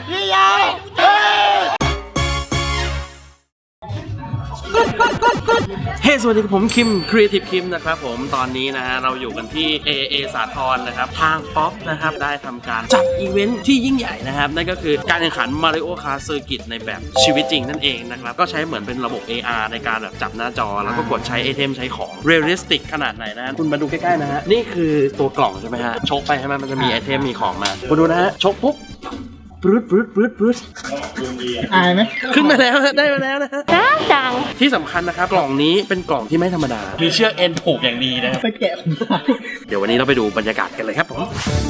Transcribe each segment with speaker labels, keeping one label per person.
Speaker 1: พี่ยาวเฮ้สวัสดีครับผมคิม Creative คิมนะครับผมตอนนี้นะฮะเราอยู่กันที่ AAA สาทรนะครับทางป๊อปนะครับได้ทำการจัดอีเวนท์ที่ยิ่งใหญ่นะครับนั่นก็คือการแข่งขัน Mario Kart Circuit ในแบบชีวิตจริงนั่นเองนะครับก็ใช้เหมือนเป็นระบบ AR ในการแบบจับหน้าจอแล้วก็กดใช้ไอเทมใช้ของ Realistic ขนาดไหนนะคุณมาดูใกล้ๆนะฮะนี่คือตัวกล่องใช่ไหมฮะชกไปใช่ไหมมันจะมีไอเทมมีของมาคุณดูนะฮะชกปุ๊บปรึ๊ด
Speaker 2: อายไหม
Speaker 1: ขึ้นมาแล้วได้มาแล้วนะฮะ
Speaker 3: จัง
Speaker 1: ที่สำคัญนะครับกล่องนี้เป็นกล่องที่ไม่ธรรมดามีเชือกเอ็นผูกอย่างดีนะครับ
Speaker 2: ไปแกะ
Speaker 1: เดี๋ยววันนี้เราไปดูบรรยากาศกันเลยครับผม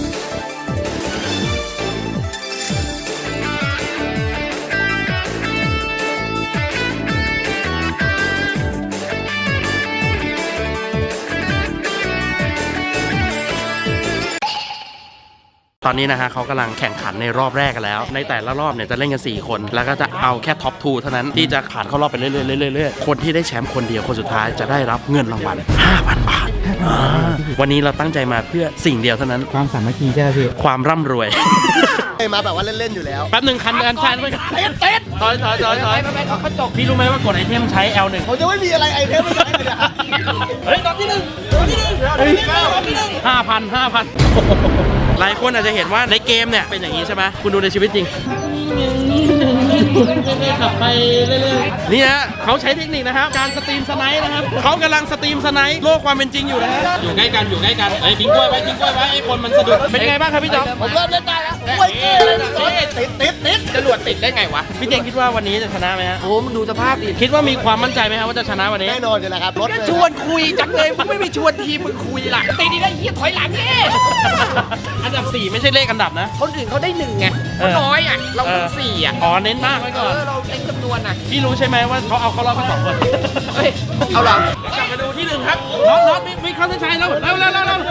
Speaker 1: ตอนนี้นะฮะเขากำลังแข่งขันในรอบแรกกันแล้วในแต่ละรอบเนี่ยจะเล่นกัน4คนแล้วก็จะเอาแค่ท็อป2เท่านั้นที่จะผ่านเข้ารอบไปเรื่อยๆคนที่ได้แชมป์คนเดียวคนสุดท้ายจะได้รับเงินรางวัล 5,000 บาทวันนี้เราตั้งใจมาเพื่อสิ่งเดียวเท่านั้น
Speaker 2: ความสามัคคีใช่ไหมพี่
Speaker 1: ความร่ำรวย
Speaker 4: มาแบบว่าเล่นๆอยู่แล้ว
Speaker 1: แป๊บหนึ่งคันกันชันไปเต้นถอยเขาจบพี่รู้ไหมว่ากดไอเทมใช้ L1
Speaker 4: ผมจะไม่มีอะไรไอเทมไม่ได้เลย
Speaker 1: เฮ้ยตอนที่หนึ่ง5,000 หลายคนอาจจะเห็นว่าในเกมเนี่ยเป็นอย่างนี้ใช่ไหมคุณดูในชีวิตจริงขับไปเรื่อยๆนี่ฮะเขาใช้เทคนิคนะครับการสตรีมสไนป์นะครับเขากำลังสตรีมสไนป์โลกความเป็นจริงอยู่นะฮะอยู่ใกล้กันไอ้ทิ้งกล้วยไว้ไอ้คนมันสะดุดเป็นไงบ้างครับพี่จ๊อบ
Speaker 4: ผมเริ่มเล่นได้แล้วโอ้ยติด
Speaker 1: จรวดติดได้ไงวะพี่เจงคิดว่าวันนี้จะชนะไหมฮะ
Speaker 4: โอ้มึงดูสภาพดิ
Speaker 1: คิดว่ามีความมั่นใจไหมครับว่าจะชนะวันนี้
Speaker 4: แน่นอนเลยครับรถ
Speaker 3: ชวนคุยจังเลยมึงไม่มีชวนทีมึงคุยล่ะตีนี่ได้เหี้ยถอยหลังนี่
Speaker 1: อันดับ4ไม่ใช่เลขอันดับนะ
Speaker 3: คนอื่นเขาได้1ไงเขาน้อยอ่ะเราต้อง4อ่ะ
Speaker 1: อ๋อเน้นมากไว้ก่อน
Speaker 3: เราเน้นจำนวนอ่ะ
Speaker 1: พี่รู้ใช่ไหมว่าเขาเอาเข้ารอบกัน2คน
Speaker 3: เฮ้ยเอาหลัง
Speaker 1: กลับมาดูที่1ครับน็อตวิ่งเข้าเส้นชัยแล้วเร็ว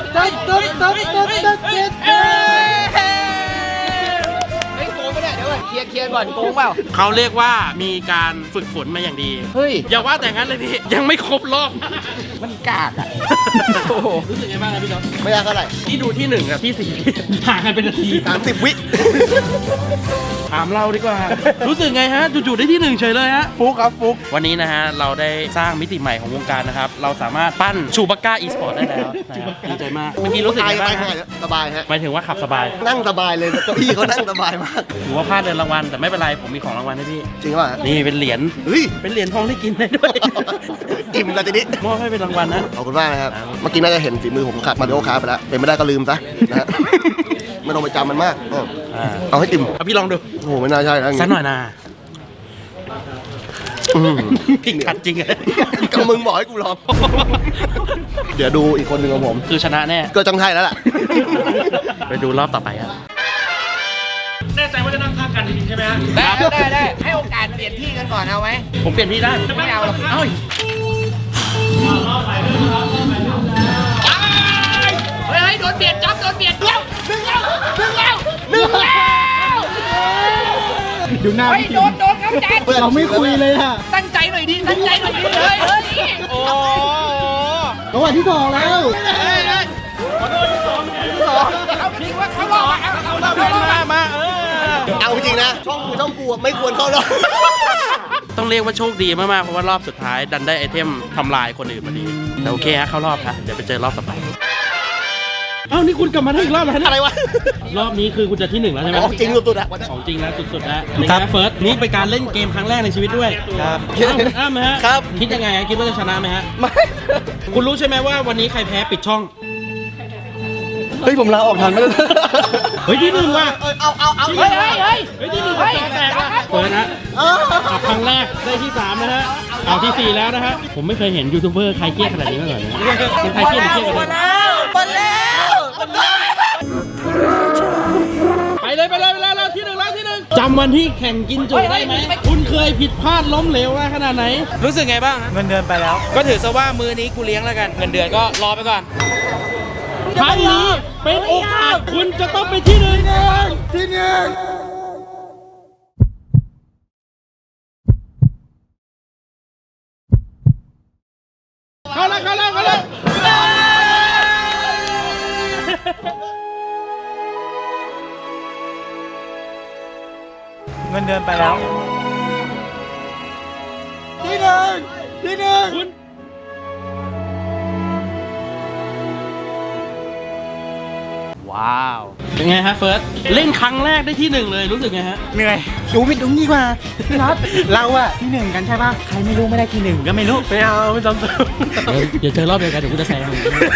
Speaker 3: เคลียร์ก่อนโกงเปล่า
Speaker 1: เขาเรียกว่ามีการฝึกฝนมาอย่างดี
Speaker 3: เฮ้ย
Speaker 1: อย่าว่าแต่งั้นเลยพี่ยังไม่ครบรอบ
Speaker 3: มันกากอ่ะ
Speaker 1: รู้สึกไงบ้างครับพี่จ๊อบ
Speaker 4: ไม่ยากเท่าไหร่
Speaker 1: ที่ดูที่1กับที่4ห่างกันเป็นนาที
Speaker 4: 30 วิ
Speaker 1: ถามเราดีกว่ารู้สึกไงฮะจู่ๆได้ที่1เฉยเลยฮะ
Speaker 4: ฟุกครับฟุก
Speaker 1: วันนี้นะฮะเราได้สร้างมิติใหม่ของวงการนะครับเราสามารถปั้นชูบักก้าอีสปอร์ตได้แล้วดีใจมากเมื่อกี้รู้สึกไงบ้าง
Speaker 4: สบายฮะ
Speaker 1: หมายถึงว่าขับสบาย
Speaker 4: นั่งสบายเลยเก้าอี้เขานั่งสบายมาก
Speaker 1: ถือว่าพลาดเดินรางวัลแต่ไม่เป็นไรผมมีของรางวัลให้พี่
Speaker 4: จริงป่ะ
Speaker 1: นี่เป็นเหรียญเป็นเหรียญทองที่กินได้ด้วย
Speaker 4: อิ่มแล้วทีนี้
Speaker 1: มอบให้เป็นรางวัลนะ
Speaker 4: ขอบคุณมากนะครับเมื่อกี้น่าจะเห็นฝีมือผมขับมาริโอคาร์ไปแล้วเป็นไม่ได้ก็ลืมซะนะฮะไม่ต้องไปจำมันมากเอาให้อิ่ม
Speaker 1: พี่ลองดู
Speaker 4: โอ้โหไม่น่าใช่นะ
Speaker 1: สักหน่อยนะพี่ขัดจริงเลย
Speaker 4: ก็มึงบอกให้กูลองเดี๋ยวดูอีกคนหนึ่งของผม
Speaker 1: คือชนะแน่
Speaker 4: ก็จังไทยแล้วล่ะ
Speaker 1: ไปดูรอบต่อไปครับแน่ใจว่าจะนั่งข้างกันจริงๆใช่ไหมฮะ
Speaker 3: ได้ให้โอกาสเปลี่ยนที่กันก่อนเอาไหม
Speaker 1: ผมเปลี่ยนที่ได้
Speaker 3: ไม่เอาหรอก
Speaker 1: เฮ้ย
Speaker 3: โดนเบียดจับโดนเบียดแล้วดึงแล้ว
Speaker 2: ดูหน้า
Speaker 3: โดนครับแจ๊ด
Speaker 2: เราไม่คุยเลยอะ
Speaker 3: ตั้งใจหน่อยดิเลย
Speaker 1: โอ้
Speaker 2: จังหวะที่2แล้ว
Speaker 3: เขาคิดว่าเขาหลอก
Speaker 1: มา
Speaker 4: เอาจริงนะช่องกูไม่ควรเข้ารอบ
Speaker 1: ต้องเรียกว่าโชคดีมากๆเพราะว่ารอบสุดท้ายดันได้ไอเทมทำลายคนอื่นพอดีแต่โอเคฮะเข้ารอบครับเดี๋ยวไปเจอรอบต่อไปเอ้านี่คุณกลับมาได้อีกรอบแล้ว
Speaker 4: อะไรวะ
Speaker 1: รอบนี้คือคุณจะที่1แล้วใช่ไหม
Speaker 4: ของจริงสุดๆอะ
Speaker 1: ของจริงแล้วสุดๆแล้วครับเฟิร์สนี่เป็นการเล่นเกมครั้งแรกในชีวิตด้วย
Speaker 4: ครับ
Speaker 1: อ้ามฮะ
Speaker 4: ครับ
Speaker 1: คิดยังไงคิดว่าจะชนะไหมฮะ
Speaker 4: ไม่
Speaker 1: คุณรู้ใช่ไหมว่าวันนี้ใครแพ้ปิดช่อง
Speaker 4: เฮ้ยผมลาออกทันไหม
Speaker 1: เฮ้ยที่1ว่ะ
Speaker 3: เอา
Speaker 1: ที่1แตกว่ะเฟิร์สนะครั้งแรกได้ที่3นะฮะเอาที่4แล้วนะฮะผมไม่เคยเห็นยูทูบเบอร์ใครเกลียดขนาดนี้มาก่อนเป็นใครเกลียดกัน
Speaker 3: หมดแล้ว
Speaker 1: ไปเลยเราที่1จำวันที่แข่งกินจุได้ไหมคุณเคยผิดพลาดล้มเหลวขนาดไหนรู้สึกไงบ้าง
Speaker 2: เงินเดือนไปแล้ว
Speaker 1: ก็ถือซะว่ามือนี้กูเลี้ยงแล้วกันเงินเดือนก็รอไปก่อนครั้งนี้เป็นโอกาสคุณจะต้องไปที่1เข้าแล้ว
Speaker 2: เงินเดือนไปแล้วที่หนึ่งว้าว
Speaker 1: เป็นไงฮะเฟิร์สเล่นครั้งแรกได้ที่หนึ่งเลยรู้สึกไงฮะ
Speaker 2: เหนื่อยดูผิดตรงนี้กว่าพี่น็อตเราอะที่หนึ่งกันใช่ป่ะใครไม่รู้ไม่ได้ที่หนึ่งก็ไม่รู้
Speaker 1: ไม่เอาไม่จำเติม
Speaker 5: เดี๋ยวเจอรอบเดียวกันเดี๋ยวกูจะแซง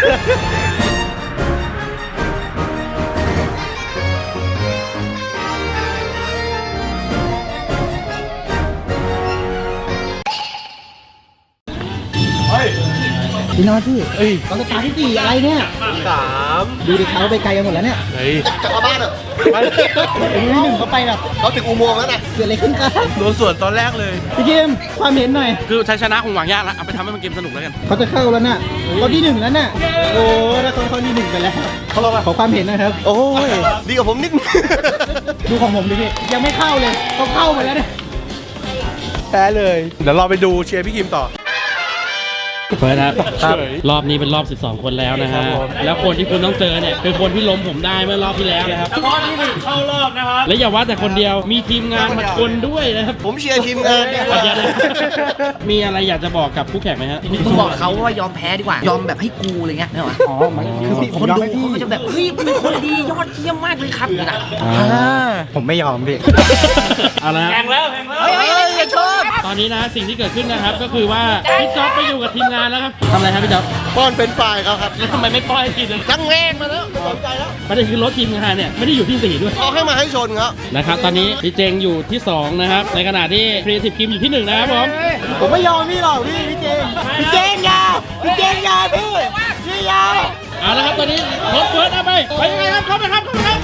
Speaker 2: พี่น็อตพี่เราสตาร์ทที่สี่อะไรเนี่ย3ดูดิเขาไปไกลกันหมดแล้วเนี่ย
Speaker 1: เฮ้ย
Speaker 4: จากบ้านอ่ะ
Speaker 2: ถึงที่หนึ่งเขาไปแบบ
Speaker 4: เขาถึงอุโมงค์แล้วนะ
Speaker 2: เกิดอะไรขึ้นกัน
Speaker 1: โดนส่วนตอนแรกเลย
Speaker 2: พี่เกมความเห็นหน่อย
Speaker 1: คือชัยชนะคงหวังยากแล้วเอาไปทำให้มันเกมสนุกแล้วกัน
Speaker 2: เขาจะเข้าแล้วน่ะเขาที่หนึ่งแล้วน่ะโอ้ถ้าเขาที่หนึ่งไปแล้วเขาเราขอความเห็นนะครับ
Speaker 4: โอ้ยดีกว่าผมนิด
Speaker 2: ดูของผมดิพี่ยังไม่เข้าเลยเขาเข้ามาแล้วเนี่ย
Speaker 3: แพ้เลย เดี๋ยวเราไปดูเชียร์พี่คิมต่อ
Speaker 5: เฟิร์สครับรอบนี้เป็นรอบ 12 คนแล้วนะฮะแล้วคนที่คุณต้องเจอเนี่ยคือคนที่ล้มผมได้เมื่อรอบที่แล้วนะครับข้อที่1เข้ารอบนะครับและอย่าว่าแต่คนเดียวมีทีมงานมาชนด้วยนะครับ
Speaker 4: ผมเชียร์ทีมงานดีกว่า
Speaker 5: เดี๋ยวนะมีอะไรอยากจะบอกกับคู่แข่งไหมฮะ
Speaker 3: มึงบอกเขาว่ายอมแพ้ดีกว่า ยอมแบบให้กูอะไรเงี้ยเนี่ยหรอ
Speaker 2: อ๋อมันคือ
Speaker 3: คนดูเขาก็จะแบบเฮ้ยเป็นคนดียอดเยี่ยมมากเลยครับอย่างเงี้ย
Speaker 2: ผมไม่ยอมพี่
Speaker 5: เอาละ
Speaker 3: เฮ้ยอย่าชอบ
Speaker 5: ตอนนี้นะสิ่งที่เกิดขึ้นนะครับก็คือว่าพี่จ๊อบไปอยู่กับทีมงานแล้วครับทำอะไรครับพี่จ๊อบ
Speaker 4: ป้อนเป็นฝ่ายเขาครับ
Speaker 5: แล้วทำไมไม่ป้อยกินเลย
Speaker 4: ตั้งแรงมาแล้วสนใจแล้ว
Speaker 5: ประเด็นคือรถทีมงานเนี่ยไม่ได้อยู่ที่4ด้วย
Speaker 4: เอาให้มาให้ชนครับ
Speaker 5: นะครับตอนนี้พี่เจงอยู่ที่2นะครับในขณะที่ Creative Kim อยู่ที่1นะครับผม
Speaker 2: ผมไม่ยอมพี่หรอกพี่เจงยาพี่ยา
Speaker 5: เอาละครับตอนนี้รถเฟิร์สเอาไปยังไงครับเข้าไปครับ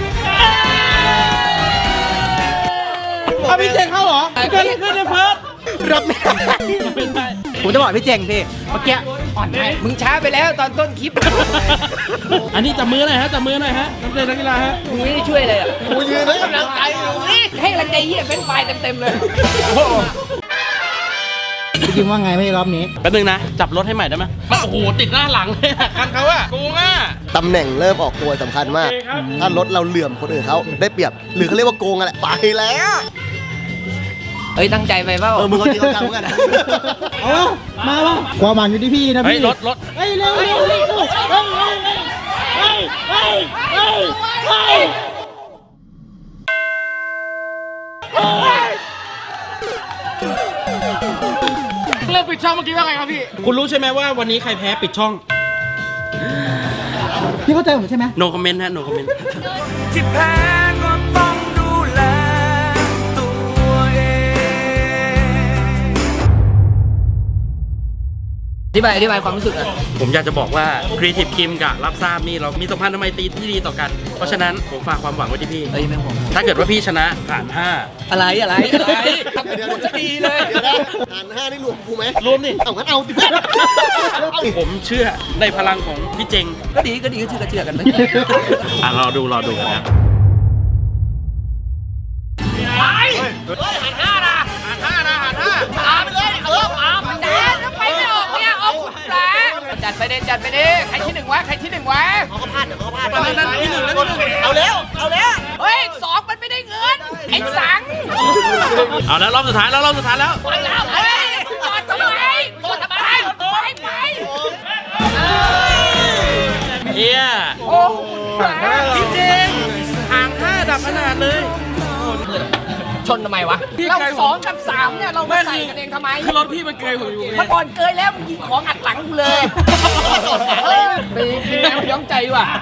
Speaker 2: เอาพี่เจงเข้าเหรอ
Speaker 5: เกิดอะไรขึ้นเนี่ยเฟิร์ส
Speaker 2: รับไม่ได้
Speaker 5: ไม่ได้
Speaker 2: ผมจะบอกพี่เจงพี่เมื่อกี้อ่อนให้
Speaker 3: มึงช้าไปแล้วตอนต้นคลิป
Speaker 5: อันนี้จับมือหน่อยฮะจับมือหน่อยฮะนักเรียนนักกีฬาฮะ
Speaker 3: มึงไม่ได้ช่วยเลยอ่ะ
Speaker 4: กูยืนให้กำลังใจ
Speaker 3: ให้กำลังใจเหี้ยเป็นไฟเต็มเลย
Speaker 2: พี่คิมว่าไงไม่รอบนี้
Speaker 5: แป๊บนึงนะจับรถให้ใหม่ได้ไหมโอ้โหติดหน้าหลังเลยอะคันเขาอะโกงอะ
Speaker 4: ตำแหน่งเริ่มออกตัวสำคัญมาก ถ้ารถเราเหลื่อมคนอื่นเขาได้เปรียบ หรือเขาเรียกว่าโกงอะไรไปแล้ว
Speaker 3: เฮ้ยตั้งใจไปเปล่า
Speaker 4: มึงเขาจริงเขาจังเหมือนกันนะ
Speaker 2: เอาวะมาละความหวังอยู่ที่พี่นะ
Speaker 5: เฮ้ย
Speaker 2: พี่
Speaker 5: รถ
Speaker 2: เฮ้ยเร็ว
Speaker 5: เริ่มปิดช่องเมื่อกี้ว่าไงครับพี่คุณรู้ใช่ไหมว่าวันนี้ใครแพ้ปิดช่อง
Speaker 2: พี่เข้าใจผมใช่ไหม
Speaker 5: no comment ฮะ no comment
Speaker 6: ที่แพ้ก็ต้องดูแลตัวเอง
Speaker 3: อธิบายความรู้สึกอ่ะ
Speaker 1: ผมอยากจะบอกว่า Creative Kim กับรับทราบนี่เรามีสัมพันธ์ทำไมตรีที่ดีต่อกัน เพราะฉะนั้นผมฝากความหวังไว้ที่พี่
Speaker 3: เอ้ยไม่ห่วง
Speaker 1: ถ้าเกิดว่าพี่ชนะผ่าน
Speaker 3: อะไรทำพูดจะดีเลย
Speaker 4: เดี๋ยวนะหาร5นี่รวมกูไหม
Speaker 1: 5 รวมนี่
Speaker 4: เอางั้นเอาสิ
Speaker 1: ผมเชื่อในพลังของพี่เจง
Speaker 3: ก็ดีก็เชื่อกันไป
Speaker 1: อ่ะรอดูกันนะ
Speaker 3: จัดไปดิใครที่หนึ่งวะ
Speaker 4: เขาก็พลาดเดี๋ยวเขาก็พลาด
Speaker 1: นั่นที่หนึ่งแล้วที่หนึ่ง
Speaker 4: เอาแล้ว
Speaker 3: เฮ้ย2มันไม่ได้เงินไอ้สัง
Speaker 1: เอาแล้วรอบสุดท้ายแล้ว
Speaker 3: ไปแล้วเฮ้ยจอดทำไมไป
Speaker 1: เฮีย
Speaker 3: โอ้
Speaker 1: พี่เจงห่าง5ดับขนาดเลย
Speaker 3: ชนทำไมวะเรา2 กับ 3เนี่ยเราไม่ใส่กันเองทำไม
Speaker 1: คือรถพี่มันเกยผมอยู่ไง
Speaker 3: มันก่อนเกยแล้วมึงยิงของอัดหลังกูเลยไปกินน้ำย้อมใจว่ะ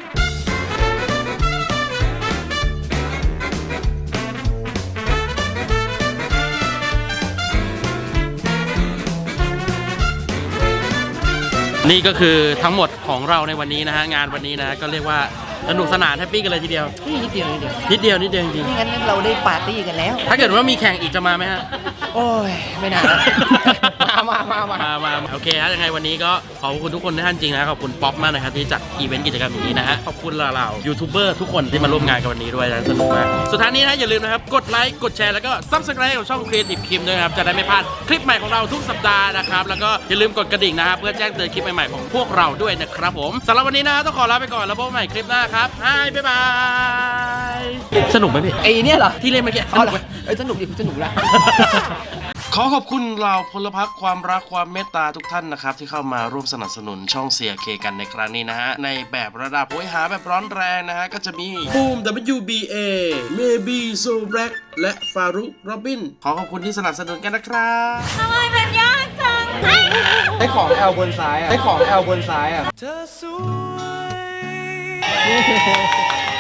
Speaker 1: นี่ก็คือทั้งหมดของเราในวันนี้นะฮะงานวันนี้นะฮะก็เรียกว่าสนุกสนานแฮปปี้กันเลยทีเดียว
Speaker 3: นี่นิดเดียว
Speaker 1: นิดเดียวจริง
Speaker 3: นี่งั้นเราได้ปาร์ตี้กันแล้ว
Speaker 1: ๆถ้าเกิดว่ามีแข่งอีกจะมาไหมฮะ
Speaker 3: โอ้ยไม่นานมา
Speaker 1: โอเคฮะยังไงวันนี้ก็ขอบคุณทุกคนท่านจริงนะขอบคุณป๊อปมากนะครับที่จัดอีเวนต์กิจกรรมอย่างนี้นะฮะขอบคุณเรายูทูบเบอร์ทุกคนที่มาร่วมงานกันวันนี้ด้วยนะสนุกมากสุดท้ายนี้นะอย่าลืมนะครับกดไลค์กดแชร์แล้วก็ Subscribe กับช่อง Creative Kim ด้วยนะครับจะได้ไม่พลาดคลิปใหม่ของเราทุกสัปดาห์นะครับแล้วก็อย่าลืมกดกระดิ่งนะครับเพื่อแจ้งเตือนคลิปใหม่ๆของพวกเราด้วยนะครับผมสำหรับวันนี้นะต้องขอลาไปก่อนแล้วพบกันใหม่คลิปหน้าครับบ๊ายบายสนุกไหมพี่
Speaker 3: ไอ้เนี่ยเหรอ
Speaker 1: ที่เล่นเมื่อกี้
Speaker 3: อ๋อเหรอสนุกดิสนุกละ
Speaker 1: ขอขอบคุณเหล่าพลพรรคความรักความเมตตาทุกท่านนะครับที่เข้ามาร่วมสนับสนุนช่องเสียเคกันในครั้งนี้นะฮะในแบบระดับโหยหาแบบร้อนแรงนะฮะก็จะมีบูม WBA เมบีโซแบล็กและฟารุกโรบินขอขอบคุณที่สนับสนุนกันนะครับ
Speaker 7: ทำไมมันยากจัง
Speaker 2: ได้ของแอลบนซ้ายอ่ะ ได้ของแอลบนซ้ายอ่ะ
Speaker 6: เธอสวย